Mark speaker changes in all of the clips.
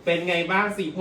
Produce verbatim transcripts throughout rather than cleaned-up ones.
Speaker 1: เป็นไงบ้างสีผม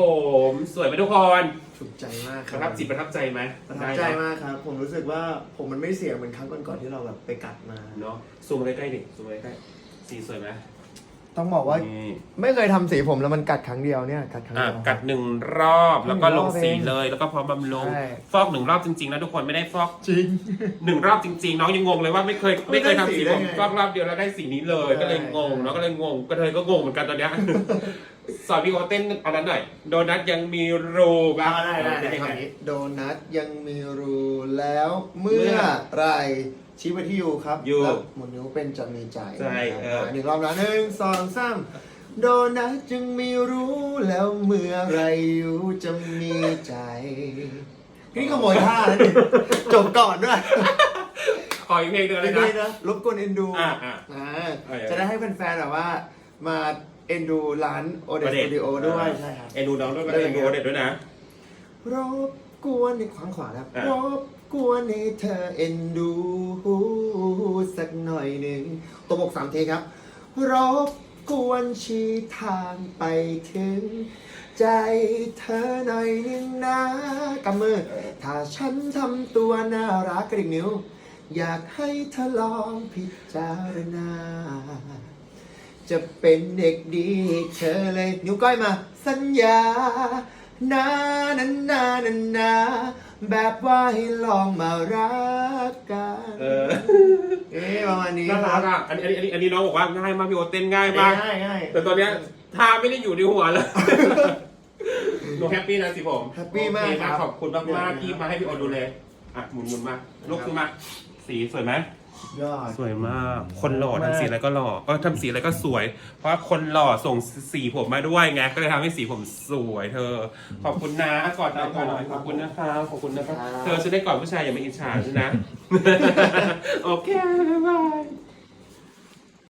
Speaker 1: สวยไหมทุกคน
Speaker 2: ถูกใจมากค
Speaker 1: ป
Speaker 2: รับ
Speaker 1: ระทับจิตประทับใจไหม
Speaker 2: ประทับใจมากครับ ผมรู้สึกว่าผมมันไม่เสียเหมือนครั้งก่อนๆที่เราแบบไปกัดมา
Speaker 1: เนาะซูมใกล้ๆดิซูมใกล้ๆสีสวยไหม
Speaker 2: ต้องบอกว่า
Speaker 1: นี่
Speaker 2: ไม่เคยทำสีผมแล้วมันกัดครั้งเดียวเนี่ยกัดครั้ง
Speaker 1: อ่ะ
Speaker 2: เดียว
Speaker 1: กัดหนึ่งรอบแล้วก็ลงสี
Speaker 2: หนึ่งรอบเอง
Speaker 1: เลยแล้วก็พร้อมบำรุง
Speaker 2: ใช่
Speaker 1: ฟอกหนึ่งรอบจริงๆนะทุกคนไม่ได้ฟอก
Speaker 2: จริง
Speaker 1: หนึ่งรอบจริงๆ น้องยังงงเลยว่าไม่เคยไม่เคยทำสีผม
Speaker 2: ได้ไง
Speaker 1: ฟอกรอบเดียวแล้วได้สีนี้เลย
Speaker 2: ใช่
Speaker 1: ก็เลยงงเนาะก็เลยงงก็เลยก็งงเหมือนกันตอนเนี้ย สอนพี่โอเต้นอันนั้นหน่อยโดนัทยังมีรูบ้าง
Speaker 2: ได้ได้
Speaker 1: เป็น
Speaker 2: ได้
Speaker 1: ยัง
Speaker 2: ค
Speaker 1: ไง
Speaker 2: ำนี้โดนัทยังมีรูแล้วเมื่อไหรชี้ไปที่ยูครับ
Speaker 1: ยู
Speaker 2: แล้วหมุนนิ้วเป็นจะมีใจ
Speaker 1: ใจเออ
Speaker 2: หนึ่งรอบนะหนึ่งสองสามโดนัทจึงมีรู้แล้วเมื่อไหรยูจะมีใจนี่ขโมยท่าแล้วนี่จบก่อนด้วย
Speaker 1: ขออีกเพลงหนึงเลย
Speaker 2: ดี
Speaker 1: นะ
Speaker 2: นะรบกวนเอ็นดู
Speaker 1: อ่ะอ่ะ
Speaker 2: อ่า
Speaker 1: เออ
Speaker 2: จะได้ให้แฟนๆแบบว่า มาเอ็นดูร้านโอเดสสตูดิโอด้วยใช่ครับ
Speaker 1: เอ็นดูน้องด้วย
Speaker 2: ได้
Speaker 1: เอ็นดูโอเด็ดด้วยนะ
Speaker 2: รบกวนในขวางขวาครับ
Speaker 1: อ่ะ
Speaker 2: รบกวนให้เธอเอ็นดูสักหน่อยหนึ่งตัวบกสามเทครับ รบกวนชี้ทางไปถึง ใจเธอหน่อยหนึ่งนะกำมือ ถ้าฉันทำตัวน่ารักกระดิกนิ้ว อยากให้เธอลองพิจารณา จะเป็นเด็กดีให้เธอเลย นิ้วก้อยมา สัญญานานานานานาแบบว่าให้ลองมารักกัน
Speaker 1: เออ
Speaker 2: เอ๊ะประมาณนี้
Speaker 1: น่า
Speaker 2: ค
Speaker 1: รั
Speaker 2: รั
Speaker 1: ก
Speaker 2: บ
Speaker 1: อ่ะอันนี้อันนี้อันนี้น้องบอกว่าง่ายมากพี่โอเต้นง่ายมาก
Speaker 2: ง่ายง่าย
Speaker 1: แต่ตอนเนี้ยท่าไม่ได้อยู่ในหัวเลย หนูแฮปปี้นะสิผม
Speaker 2: แฮปปี้มาก
Speaker 1: โอเค
Speaker 2: ครับ
Speaker 1: ขอบคุณมากมากๆที่มาให้พี่โอดูเลยอ่ะหมุนหมุนมาลูกขึ้นมาสีสวยไหม
Speaker 2: ยอด
Speaker 1: สวยมาก คนหล่อทำสีอะไรก็หล่อก็ทำสีอะไรก็สวย เพราะว่าคนหล่อส่งสีผมมาด้วยไง ก็เลยทำให้สีผมสวยเธอ ขอบคุณนะก่อนนะก่อนหน่อยขอบคุณนะคะขอบคุณนะคะ
Speaker 2: ครับ
Speaker 1: เธอจะได้ก่อนผู้ชายอย่ามาอิจฉาฉันนะ โอเค บ๊ายบาย